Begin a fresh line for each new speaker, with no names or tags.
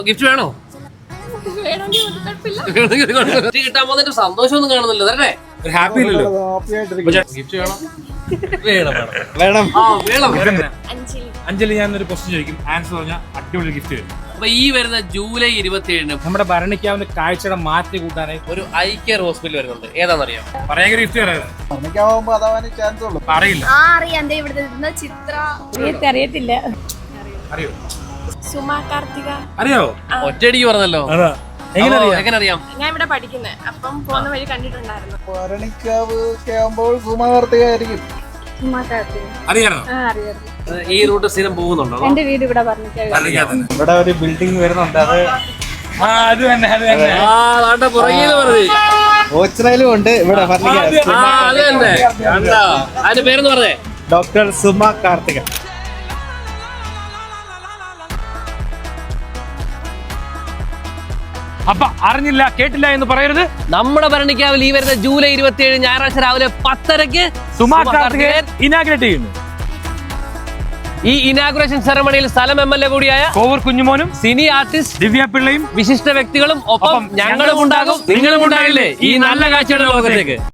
Gift വേണോ? കിട്ടാൻ പോകുന്നതിന്റെ സന്തോഷമൊന്നും കാണുന്നില്ല. തരട്ടെ?
ഹാപ്പി
ഗിഫ്റ്റ് വേണം.
അഞ്ജലി ഞാനൊരു ക്വസ്റ്റ്യൻ ചോദിക്കും, ആൻസർ പറഞ്ഞാൽ അടിപൊളി ഗിഫ്റ്റ് വരും.
അപ്പൊ ഈ വരുന്ന ജൂലൈ 27
നമ്മുടെ ഭരണിക്കാവുന്ന കാഴ്ചയുടെ മാറ്റി കൂട്ടാനായി
ഒരു ഐ കെയർ ഹോസ്പിറ്റൽ വരുന്നുണ്ട്. ഏതാണെന്നറിയാം?
പറയാൻ ഗിഫ്റ്റ് അറിയില്ല.
അറിയത്തില്ല.
അറിയോ?
സുമാ കാർത്തിക.
അറിയോ?
ഒറ്റയടിക്ക് പറഞ്ഞല്ലോ. എങ്ങനെ അറിയാം?
ഞാൻ ഇവിടെ പഠിക്കുന്നത്, അപ്പം പോകുന്ന വഴി കണ്ടിട്ടുണ്ടായിരുന്നു.
ഭരണിക്കാവ് ആവുമ്പോൾ സുമാ കാർത്തിക ആയിരിക്കും.
അറിയാണോ?
ഈ റൂട്ട് സ്ഥിരം പോകുന്നുണ്ടോ?
എന്റെ വീട് ഇവിടെ പറഞ്ഞിട്ട്
ഇവിടെ ഒരു ബിൽഡിംഗ് വരുന്നുണ്ട്. അത് തന്നെ
ഓച്ചിറയിലും ഉണ്ട്. ഇവിടെ
അതിന്റെ പേരെന്ന് പറഞ്ഞേ?
ഡോക്ടർ സുമാ കാർത്തിക.
അപ്പൊ അറിഞ്ഞില്ല കേട്ടില്ല എന്ന് പറയരുത്.
നമ്മുടെ ഭരണിക്കാവിൽ ഈ വരുന്ന ജൂലൈ 27 ഞായറാഴ്ച രാവിലെ 10:30
സുമാ കാർത്തികേയൻ ഇനാഗ്രേറ്റ് ചെയ്യുന്നു.
ഈ ഇനാഗുറേഷൻ സെറമണിയിൽ സ്ഥലം MLA കൂടിയായ
കോവൂർ കുഞ്ഞുമോനും
സിനി ആർട്ടിസ്റ്റ്
ദിവ്യ പിള്ളയും
വിശിഷ്ട വ്യക്തികളും ഒപ്പം ഞങ്ങളും ഉണ്ടാകും. നിങ്ങളും ഉണ്ടാകില്ലേ ഈ നല്ല കാഴ്ചയുടെ ലോകത്തേക്ക്?